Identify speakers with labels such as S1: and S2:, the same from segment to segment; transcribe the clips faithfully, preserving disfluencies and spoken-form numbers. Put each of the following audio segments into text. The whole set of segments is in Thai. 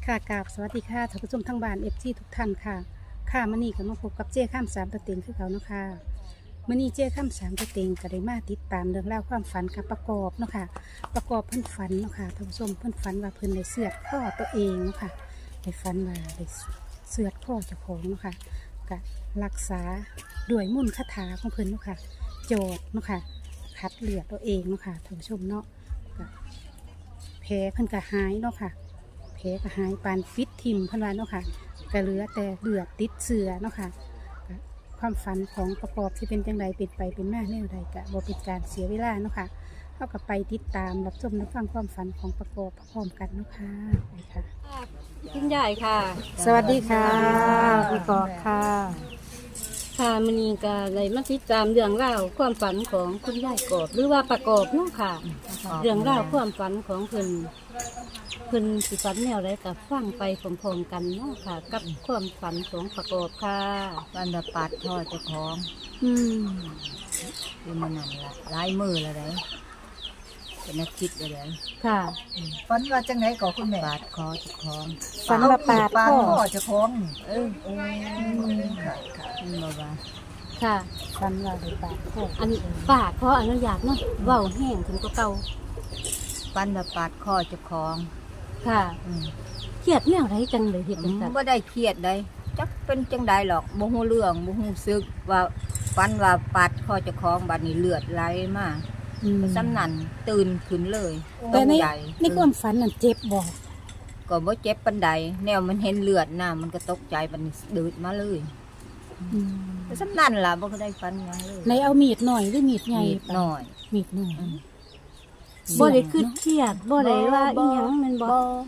S1: ค่ะกราบสวัสดีค่ะท่านผู้ชมทั้งบ้านเอฟซีทุกท่านค่ะค่ะมื่อนี้ก็มาพบกับเจ้ข้ามสามตัวเต็งคือเขาเนาะค่ะมื่อนี้เจ้ข้ามสามตัวเต็งก็ได้มาติดตามเรื่องราวความฝันกับประกอบเนาะค่ะประกอบเพิ่นฝันเนาะค่ะท่านผู้ชมเพิ่นฝันว่าเพิ่นได้เสือดข้อตัวเองเนาะค่ะได้ฝันว่าได้เสือดข้อเจ้าของเนาะค่ะก็รักษาด้วยมุ่นต์คาถาของเพิ่นเนาะค่ะโจทย์เนาะค่ะคัดเลือดตัวเองเนาะค่ะท่านผู้ชมเนาะก็แผลเพิ่นก็หายเนาะค่ะแผลก็หายปานฟิตทิมเพิ่นว่าเนาะค่ะก็เหลือแต่เลือดติดเสือเนาะค่ะก็ความฝันของประกอบที่เป็นจังไดเป็นไปเป็นมาแนวใดก็บ่เป็นการเสียเวลาเนาะค่ะเฮาก็ไปติดตามรับชมรับฟังความฝันของประกอบพร้อมกันเนาะค่ะไปค่ะ
S2: คุณยายค่ะ
S1: สวัสดีค่ะประกอบค่ะ
S2: ค่ะมื้อนี้ก็เลยมาติดตามเรื่องราวความฝันของคุณยายกอบหรือว่าประกอบเนาะค่ะ เรื่องราวความฝันของเพิ่นเพิ่นสิฝันแนวใดก็ฟังไปพร้อมๆกันเนาะค่ะ กับความฝันของประกอบค่ะ
S3: วันละปาดท่อเจ้าของ
S2: อืม
S3: คือมันนั่นละหลายมือแล้วได้เป็นนักคิดเลยได้
S2: ค่ะ
S4: ฝันว่าจังไหนก่อคุณแม่
S3: ปาดคอเจ้าของ
S1: ฝันว่าปาด
S4: ปาด
S1: พ่อ
S4: พ่อเจะคล้าของ
S3: เออ
S4: โอ้ค่ะค่ะ
S3: มันบอกว่า
S2: ค่ะ
S1: ฝันว่าได้ปาดพ่อ
S2: อันปากขออนุญาตเนาะเว้าแห้งถึงก็เก่า
S3: วันละปาดคอเจ้าของ
S2: ค่ะ
S3: อืม
S2: เครียดแนวใดจังเลยเฮ็ดจังซั่น
S3: บ่ได้เครียดได้จักเป็นจังใดหรอกบ่ฮู้เรื่องบ่ฮู้ซึกว่าฟันว่าปาดคอเจ้าของบัดนี้เลือดไหลมา
S1: อืม
S3: ซ้ำนั่นตื่นขึ้นเลย
S1: แต่
S3: ตก
S1: ใน
S3: ใจ
S1: ในความฝันนั่นเจ็บบ่
S3: ก็บ่เจ็บปานใดแนวมันเห็นเลือดน่ะมันก็ตกใจบัดนี้ดืดมาเลย
S1: อืม
S3: แต่ซ้ำนั่นล่ะบ่ได้ฟันหยังเลย
S1: ในเอามีดหน่อยหรือมีดใหญ่
S3: นิดหน่อย
S1: มีดหน่อย
S3: อืม
S2: บ่ได้คิดเครียดบ่ได้ว่าอีหยังแม่นบ่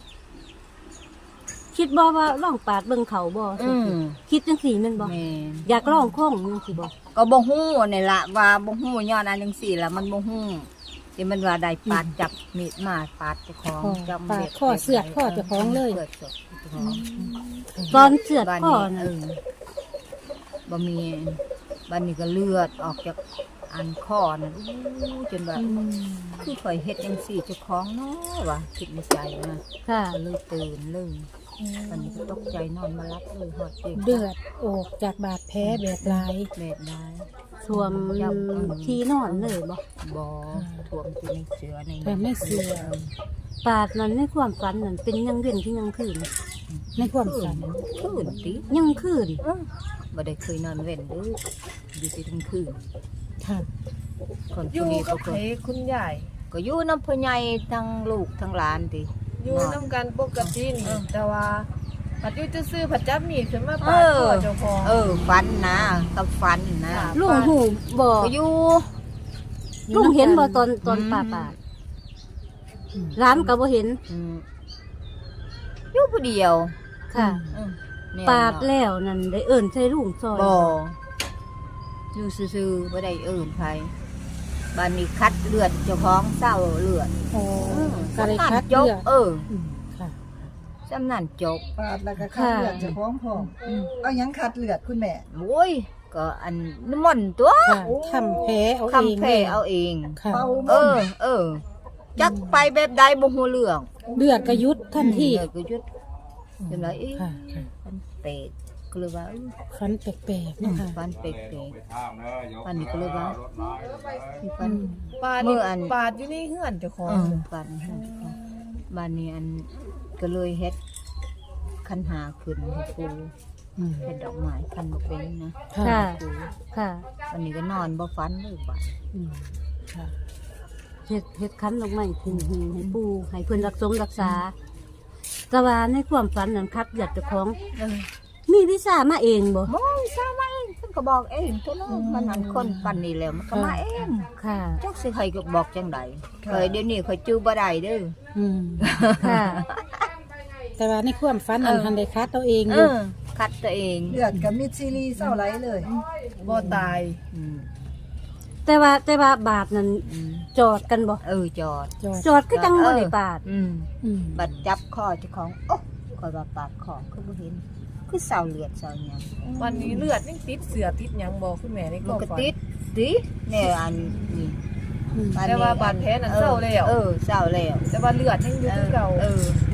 S2: คิดบ่ว่าลองปาดเบิ่งเขาบ่
S3: อืม
S2: คิดจังซี่แม่นบ่
S3: แม่น
S2: อยากลองข้องจังซี่บ่
S3: ก็บ่ฮู้นี่ล่ะว่าบ่ฮู้ย้อนอันจังซี่ล่ะมันบ่ฮู้ที่มันว่าได้ปาดจับมีดมาปาดเจ้าของจับ
S1: ปาดข้อเสือดข้อเจ้าของเลย
S3: เสือดเจ้าของ
S2: ตอนเสือด
S3: บ้าน
S2: พ่อ
S3: นี้
S2: น่ะ
S3: เออบ่มีบ้านนี้ก็เลือดออกจากอันคอน่ะอู้จนว่า
S1: อืม
S3: คือข่อยเฮ็ดจังซี่เจ้าของเนาะว่าคิดในใจนะ
S2: ค่ะ
S3: ก็เลยตื่นเลยวันนี้ก็ตกใจนอนมารับเลยฮอดเด็ก
S1: เดือดออกจากบาดแผลแบบหลาย
S3: แม่ได้
S2: สวมที่นอนเลยบ่
S3: บ่ท่วมที่ในเสือใน
S1: แต่ไม่เสือ
S2: ปาดนั้นในความฝันนั่นเป็นยังเว้นที่ยังคืน
S1: ในความฝัน
S3: คืนติ
S2: ยังคืน
S3: เออบ่ได้เคยนอนเว้นเด้ออยู่ที่ทั้งคืน
S1: ค่ะ
S3: คน
S4: อ
S3: ผู้
S4: ยู่
S3: นี้
S4: กั
S3: ก็
S4: บ
S3: ก็
S4: ไผคุณยาย
S3: ก็อยู่น้ำพ่อใหญ่ทั้งลูกทั้งหลานติ
S4: อยู่น้ำกันปกตินี่
S3: เออ
S4: แต่ว่าปัดอยู่จะซื้อผัดจับมีดขึ้นมาปาดพ่อเจ้าของ
S3: เออฟันนะกับฟันนะ
S2: ลุงหูบ่
S3: ก็อยู่
S2: ลุงเห็นบ่ตอนตอนปาดปาดร้านก็บ่เห็น
S3: อืมอยู่ผู้เดียว
S2: ค่ะ
S3: เออแม่น
S2: ปาดแล้วนั่นได้เอิ้นใส่ลุงซอย
S3: บ่อยู่ซื่อๆบ่ได้เอิ้นไผบ้านนี้คัดเลือดเจ้าของเศร้าเลือด
S1: โอ้
S3: เออ
S1: ก็เลย
S3: สำนั
S1: คั
S3: น
S1: ด
S3: จ
S1: เลื
S3: บ
S1: อด
S3: เออ
S1: อืมค่ะ
S3: จำนั่นจบ
S4: ปาดแล้วก็คัดเลือดเจ้าของพ่อเอาหยังคัดเลือดคุณแม่
S3: โอ้ยก็อันน้ำมันต์ตัว
S1: ค่ะทำแผลเอาเอง
S3: คำเพเอาเอง
S1: ค่ะ
S4: เป่า
S3: เอ
S4: บ่
S3: อ เออ จักไปแบบใดบ่ฮู้เรื่อง
S1: เลือดกระยุดทันที
S3: เออก็หยุดเป็นไรเอ๊ะ
S1: ค่ะค่ะ
S3: มันเปรตก็เลยว่าเอ้ย
S1: ฟันแปลกๆเนาะค่ะ
S3: ฟันเปรตฟันนี่ก็เลยว่ามีฟัน
S4: ปาด
S3: เมื่ออัน
S4: ปาดอยู่ในเฮือนเจ้าของ
S3: เออฟันบ้านนี้อันก็เลยเฮ็ดคันหาขึ้นให้ปู
S1: อืม
S3: เฮ็ดดอกไม้คันบ่เป็นนะ
S1: ค่ะ
S2: ค่ะ
S3: ปู
S2: ค่ะ
S3: วันนี้ก็นอนบ่ฟันเลยบ่
S1: อืมค่ะ
S2: เฮ็ดเฮ็ดคันลงไม้ขึ้นหิ้งให้ปู่ให้เพิ่นรักษารักษา แต่ว่าในความฝันนั้นคัดอยากเจ้าของ
S3: เออ
S2: มีวิชามาเองบ่
S3: โอ้ยทราบมาเองเพิ่นก็บอกเองตัวน้องมันอันคนปันนี่แล้วมันก็มาเอง
S2: ค่ะ
S3: จักสิใครก็บอกจังไดเคยเดี๋ยวนี้เคยจื้อบ่ได้เด้อ
S1: อืม
S2: ค่ะ
S1: แต่ว่าในความฝันนั้น
S3: เออ
S1: ทันได้คัดตัวเอง
S3: เอ
S1: อยู่
S3: อคัดตัวเอง
S4: เลือดกับมิดซีรีส์เศร้าไหลเลยบ่ตาย
S3: อืม
S2: แต่ว่าแต่ว่าบาทนั้น
S3: อืม
S2: จอดกันบ่
S3: เออจอด
S1: จอด
S2: จอดก็จังบ่ได้บาท
S3: อืม
S1: อืม
S3: บัดจับคอเจ้าของโอ๊ะคอยว่าปาดคอคือบ่เห็นคือเศร้าเลือดเศร้าหยัง
S4: วันนี้เลือดยังติดเสือติดหยังบ่คุณแม่ในค
S3: มัน
S4: วาม
S3: ก็
S4: ฝัน
S3: ติดดิแน่อันนี่
S1: อืม
S3: อันนี้
S4: แต่ว่าบาดแผลนั้นเศร้าแล้ว
S3: เออเศร้าแล้ว
S4: แต่ว่าเลือดยังอยู่คือเก่า
S3: เออ
S2: ได้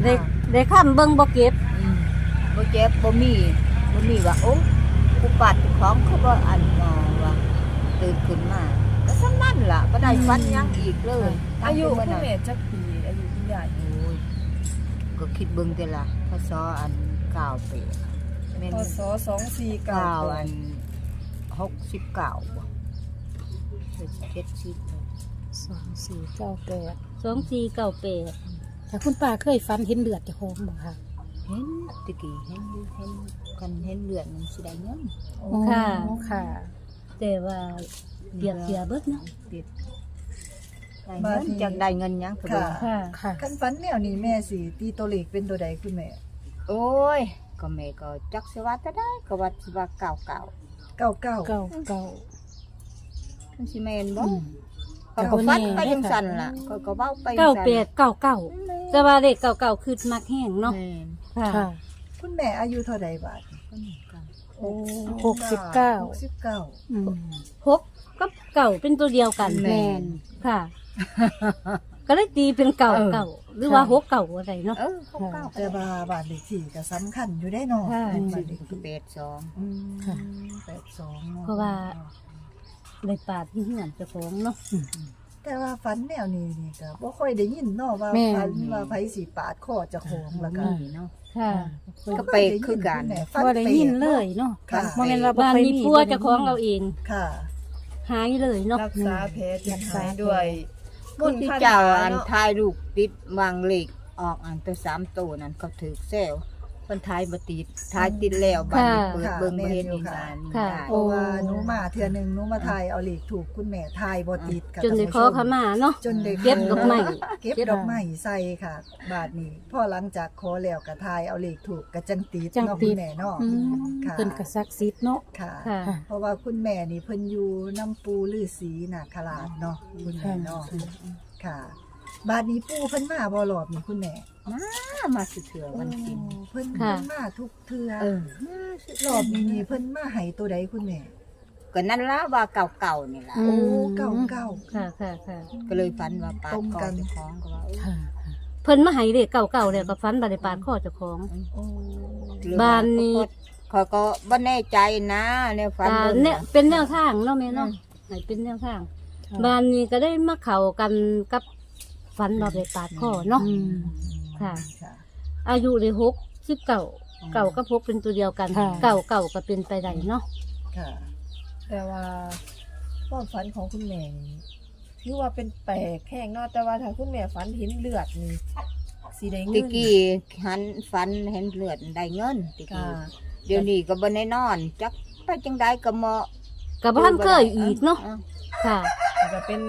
S2: ได้ค้ำเบิ่งบ่เก็บ
S3: อืมบ่เจ็บบ่มีบ่มีว่าโอ้กูปาดเจ้าของเขาบ่อันงอว่าตื่นขึ้นมาก็ซ้ำนั่นล่ะบ่ได้ฟันหยังอีกเลย
S4: อายุ
S3: ตั้
S4: คุ
S3: ง
S4: ณ
S3: แต่
S4: แม่จักปีอายุคุณยาย
S3: โอ้ยก็คิดเบิ่งแต่ละพศอันเก้าปีแม่น
S4: พศสองสี่เก้า
S3: เก้าอันหกสิบเก้าบ่เจ็ดสิบ
S1: สองสี่เก้าแปด
S2: สองสี่เก้าแปด
S1: แต่คุณป้าเคยฝันเห็นเลือดเจ้าของบ่ค่ะ
S3: เห็นตะกี้เห็นอยู่เห็นกันเห็นเลือดมันสิได้เงิน
S2: ค่ะ
S1: อ๋อค่ะ
S2: แต่ว่าเปียกเสียเบิดเนาะ
S3: ติดได้เงินจากได้เงินหยังก็บ่
S5: ค่ะ
S2: ค่ะ
S1: ค่ะ
S5: คันฝันแนวนี้แม่สิตีตัวเลขเป็นตัวใดคุณแม่
S3: โอ้ยก็แม่ก็จักสิว่าจะได้ก็ว่าสิว่าเก่าเก่า
S5: เก้าเก้า
S1: เก้าเก้า
S3: มันสิแม่นบ่
S1: อืม
S3: ก็ก็ฟันไปจังซั่นล่ะก็ก็เว้าไปจัง
S2: เก้า
S3: ซั่น
S2: แปดเก้าเก้าแต่ว่าเลขเก้าเก้าคือมักแห้งเนาะ
S3: แม่น
S2: ค่ะ
S1: ค่ะ
S5: คุณแม่อายุเท่าใดบาด
S3: ก็นี่ก็
S5: โอ้
S1: หกสิบเก้า
S5: หกสิบเก้า
S1: อืม
S2: หกกับเก่าเป็นตัวเดียวกัน
S1: แม่น
S2: ค่ะ ก็เลยตีเป็นเก่าเก่าหรือว่าหกเก่าอะไรเนาะ
S3: เออเขาเก่า
S5: แต่ว่าบาทเลขที่ก็สำคัญอยู่ได้เนาะ
S2: ค่ะ
S5: บาทเลขที่
S3: แปดสอง
S5: อืม
S1: ค่ะ
S5: แปดสองเนาะ
S2: เพราะว่าในป่าที่เหือนเจ้าของเนาะ
S5: แต่ว่าฝันแนวนี้นี่ก็บ่ค่อยได้ยินเนาะว่า
S1: แม่
S5: ฝันว่าไผสิปาดคอเจ้าของแล้วก็
S3: นี่เนาะ
S2: ค่ะ
S3: ก็ไปคือกัน
S5: แม่ฝัน
S1: ว่าได้ยินเลยเนาะ
S5: ค่ะ
S1: บ่แม่นว่าบ่
S2: บ้าน
S1: เคย
S2: นี้
S1: มี
S2: พัวเจ้าของเราเอง
S5: ค่ะ
S2: หายเลยเนาะ
S4: รักษาแผลจนหายด้วย
S3: คนที่เจ้าอันทายลูกติดวางเหล็กออกอันตัวสามตัวนั้นเขาถือแซวเพิ่นทายบ่ติดทายติดแล้วบัดนี้เปิดเบิ่งบ่เห็นอีนานนี่ได้
S5: เพราะว่าหนูมาเทื่อหนึงหนูมาถ่ายเอาเลขถูกคุณแม่ถ่ายบ่ติดค่ะ
S2: จนได้ขอขมาเนาะ
S5: จนได้
S2: เก็บดอกไม้
S5: เก็บดอกไม้ใส่ค่ะ บาทนี้พอหลังจากขอแล้วก็ถ่ายเอาเลขถูกก็จังติด
S1: จัง
S5: เนาะ
S1: ติ
S5: คุ
S1: ด
S5: ณแม่เนาะ
S1: อืม
S5: ค่ะ
S1: เพิ่นก็ศักดิ์สิทธิ์เนาะ
S5: ค่ะ
S2: ค่ะ
S1: ค่ะ
S5: เพราะว่าคุณแม่นี่เพิ่นอยู่น้ำปูฤาษีน่ะขลาดเนาะคุณแม่เนาะค่ะ บาทนี้ปูเพิ่นมาบ่รอบนี่คุณแม่
S3: มามาสิเถื่อวันกิน
S5: โอ้เพิ่น
S2: ค่ะ
S5: เพิ่นมาทุกเทื่อ
S3: เออ
S5: รอบนี้นี่เพิ่นมาให้ตัวใดคุณแม่
S3: ก็นั่นล่ะว่าเก่าๆนี่ล่ะ
S1: อื
S5: โอ้
S1: ม
S5: เก้าเก้า
S2: ค่ะค่ะค่ะ
S3: ก็เลยฝันว่าปาด
S5: ตรง
S3: คอ
S5: กัน
S3: เจ้าของก็ว่าเออ
S1: ค่ะ
S2: เพิ่นมาให้เลขเก่าเก่าแล้วก็ฟันบาดได้ปาดข้อเจ้าของ
S5: โอ้
S2: บ้านนี้
S3: เขาก็บ่แน่ใจนะเนี่ยฝัน
S2: อ่า
S3: บิ่ง
S2: เนี่ยเป็นแนวทางเนาะแม่เนาะให้เป็นแนวทาง
S1: ค่ะ
S2: บ้านนี้ก็ได้มาเข้ากันกับฟันบาดได้ปาดข้อเนาะ
S1: อืม
S2: ค่ะ
S5: ค่ะ
S2: อายุได้หกสิบเก่าเก่ากับหกเป็นตัวเดียวกัน
S1: ค่ะ
S2: เก่าเก่าก็เป็นไปได้เนาะ
S5: ค่ะ
S4: แต่ว่าความฝันของคุณแม่นี่ถือว่าเป็นแปลกแห้งเนาะแต่ว่าถ้าคุณแม่ฝันเห็นเลือดนี่สีได้
S3: ตะ
S4: เงิน
S3: กี้หันฝันเห็นเลือดได้เงินตะ
S4: ค่ะ
S3: กี้เดี๋ยวนี้ก็บ่ได้นอนจักไปจังไดก็เหมาะ
S2: กับบ้านเคยอีกเนาะค่ะ
S4: จะเป็น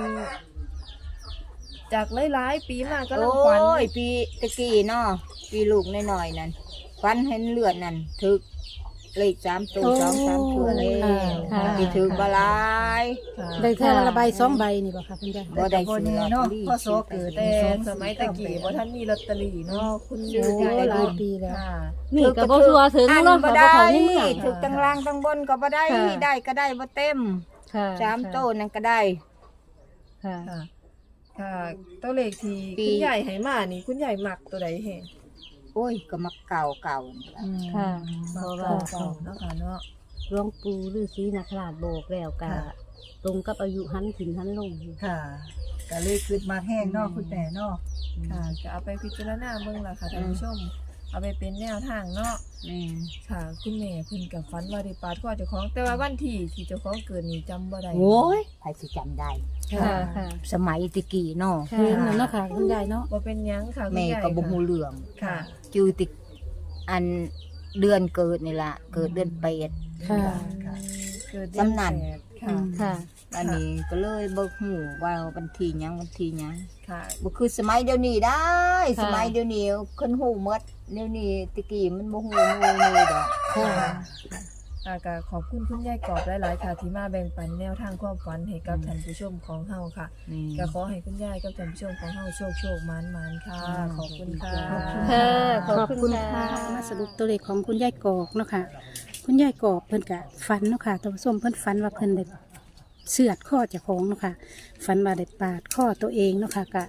S4: จากหลายๆปีมาก็
S3: โอ
S4: ลังฝัน้
S3: ยปีตะกี้เนาะปีลูกน้อยๆนั่นฝันเห็นเลือดนั่นถึกเลขสามตัว
S1: โอ้
S3: สองสามตัวเลย
S2: ค่ะ
S3: ที่ถึกบ่หลาย
S4: ค่ะ
S1: ได้เท่าละใบสองใบนี่บ่ค่ะคุณยาย
S3: บ่ได้
S5: แต่ก็
S3: ซื้อ
S5: แน่
S3: ลอต
S5: เนาะ
S3: เตอรี่
S5: พ่อโสเกิด
S4: แต่
S5: สอง
S4: สมัยตะกี้บ่ท่านมีลอตเตอรี่เนาะคุณ
S3: ซื้อ
S1: โอ้
S3: ได้
S1: หลายปีแล้ว
S4: ค่ะ
S2: นี่ก็บ่ชัวร์ถึง
S3: อัน
S2: เนาะ
S3: บ่
S2: ค่ะ
S3: ได้
S2: บ่เข้าในเมือง
S3: ถึกตังล่างตังบนก็บ่ได้
S2: ค่ะ
S3: ได้ก็ได้บ่เต็ม
S2: ค่ะ
S3: สามโตนั่นก็ได้
S2: ค่ะ
S4: ค่ะ ค่ะตัวเลขที่
S3: ปี
S4: คุณใหญ่ให้มานี่คุณใหญ่มักตัวใดแห่ง
S3: โอ้ยก็มาเก่าเก่านี่ล่ะ
S2: ค่ะเพ
S5: มา
S2: ราะ
S5: เก่า
S2: ว่า
S5: เก่า
S4: เนาะค่ะเนาะ
S2: หลวงปู่ฤาษีนาคราชโบกแล้วก็
S5: ค่ะ
S2: ตรงกับอายุหันขึ้นหันลง
S5: ค่ะก็เลยขึ้นมาแห้งเนาะคุณแม่เนาะ
S4: ค่ะก็เอาไปพิจารณาเบิ่งล่ะค่ะท่านผู้ชม เอาไปเป็นแนวทางเนาะ
S3: แม่น
S4: ค่ะคุณแม่เพิ่นกับฝันว่าได้ปาดคอเจ้าของ แต่ว่าวันที่ที่เจ้าของเกิดนี่จำบ่ได้
S3: โอ้ยใครสิจำได้
S2: ค่ะค่ะ
S3: สมัยตะกี้เนาะ
S2: ค่ะ
S1: เห็นแล้วเนาะค่ะคุณยายเนาะ
S4: บ่เป็นหยังค่ะคุณ
S3: แม่
S4: ใหญ่
S3: ก็บ่
S4: ค่ะ
S3: ฮู้เรื่อง
S4: ค่ะ
S3: จือติอันเดือนเกิดนี่ล่ะเกิดเดือนแปด
S1: ค่ะ
S5: ค่ะ
S4: เกิดเดือน
S3: สำนัน
S4: แปดค่ะ
S2: ค่ะ
S3: อันนี้ก็เลยบ่ฮู้ว่าวันที่หยังวันที่หยัง
S4: ค่ะ
S3: บ่คือสมัยเดี๋ยวนี้ได้
S2: ค่ะ
S3: สมัยเดี๋ยวนี้คนฮู้หมดเดี๋ยวนี้ตะกี้มันบ่ฮู้งูเลยดอก
S1: ค่ะ
S4: ค่ะก็ขอบคุณคุณยายกอบหลายๆค่ะ ที่มาแบ่งปันแนวทางความฝันให้กับท่านผู้ชมของเฮาค่ะ
S3: นี่
S4: ก็ขอให้คุณยายกับท่านผู้ชมของเฮาโชคโชคหมานหมานค่ะ ขอบคุณค่ะ
S2: ค่ะ
S1: ขอบคุณค่ะมาสรุปตัวเลขของคุณยายกอกเนาะค่ะ คุณยายกอกเพิ่นกะฝันเนาะค่ะท่านผู้ชมเพิ่นฝันว่าเพิ่นได้เสือดข้อเจ้าของเนาะค่ะฝันว่าได้ปาดข้อตัวเองเนาะค่ะกะ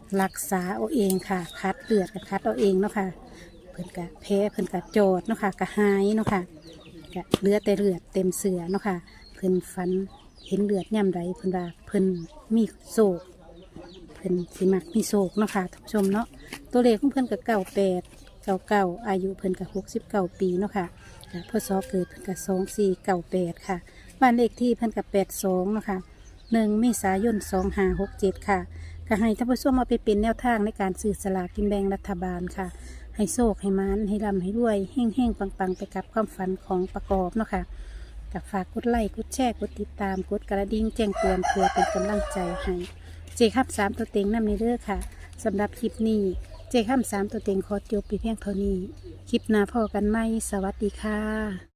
S1: รักษาเอาเองค่ะคัดเลือดกับคัดเอาเองเนาะค่ะเพิ่นกะแพ้เพิ่นกะโจดเนาะค่ะกะหายเนาะค่ะกะเหลือแต่เลือดเต็มเสือเนาะค่ะเพิ่นฟันเห็นเลือดย่ำไรเพิ่นว่าเพิ่นมีโศกเพิ่นสิมักมีโศกเนาะค่ะท่านผู้ชมเนาะตัวเลขของเพิ่นกะเก้าแปดเก้าเก้าอายุเพิ่นกะหกสิบเก้าปีเนาะค่ะกะพศเกิดเพิ่นกะสองสี่เก้าแปดค่ะบ้านเลขที่เพิ่นกะแปดสองเนาะค่ะหนึ่งเมษายนสองห้าหกเจ็ดค่ะก็ให้ท่านผู้ชมเอาไปเป็นแนวทางในการซื้อสลากกินแบ่งรัฐบาลค่ะให้โชคให้มานให้ร่ำให้รวยเฮ่งเฮ่งปังปังไปกับความฝันของประกอบเนาะค่ะกับฝากกดไลค์กดแชร์กดติดตามกดกระดิ่งแจ้งเตือนเพื่อเป็นกำลังใจให้เจคับสามตัวเต็งนำในเด้อค่ะสำหรับคลิปนี้เจคับสามตัวเต็งขอจบไปเพียงเท่านี้คลิปหน้าพอกันไหมสวัสดีค่ะ